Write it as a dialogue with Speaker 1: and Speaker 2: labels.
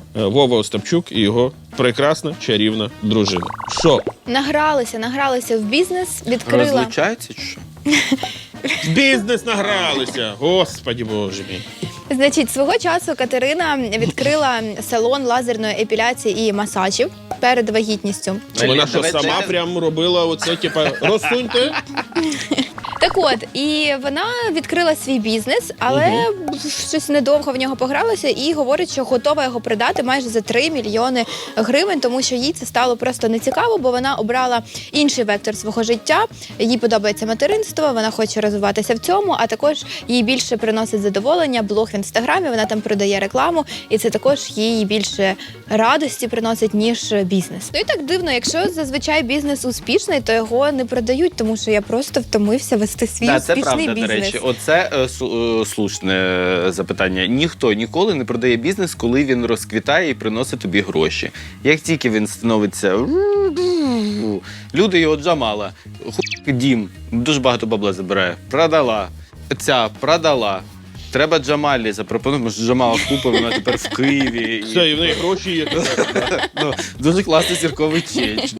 Speaker 1: Вова Остапчук і його прекрасна чарівна дружина. Що?
Speaker 2: Награлися в бізнес, відкрила.
Speaker 3: Розлучаються чи що?
Speaker 1: В бізнес награлися! Господи боже мій.
Speaker 2: Значить, свого часу Катерина відкрила салон лазерної епіляції і масажів перед вагітністю.
Speaker 1: Вона що, сама прям робила оце, типа, розсуньте?
Speaker 2: Так от, і вона відкрила свій бізнес, але щось недовго в нього погралося і говорить, що готова його продати майже за 3 мільйони гривень, тому що їй це стало просто нецікаво, бо вона обрала інший вектор свого життя. Їй подобається материнство, вона хоче розвиватися в цьому, а також їй більше приносить задоволення блог в Інстаграмі, вона там продає рекламу, і це також їй більше радості приносить, ніж бізнес. Ну і так дивно, якщо зазвичай бізнес успішний, то його не продають, тому що я просто втомився вести свій
Speaker 3: Так, це
Speaker 2: успішний
Speaker 3: правда,
Speaker 2: бізнес.
Speaker 3: до речі. Оце слушне запитання. Ніхто ніколи не продає бізнес, коли він розквітає і приносить тобі гроші. Як тільки він становиться... Люди його Джамала. Дім. Дуже багато бабла забирає. Продала. Продала. Треба Джамалі запропонувати, що Джамала купив, вона тепер в Києві.
Speaker 1: Все, і в неї гроші є.
Speaker 3: Дуже класний зірковий чеч.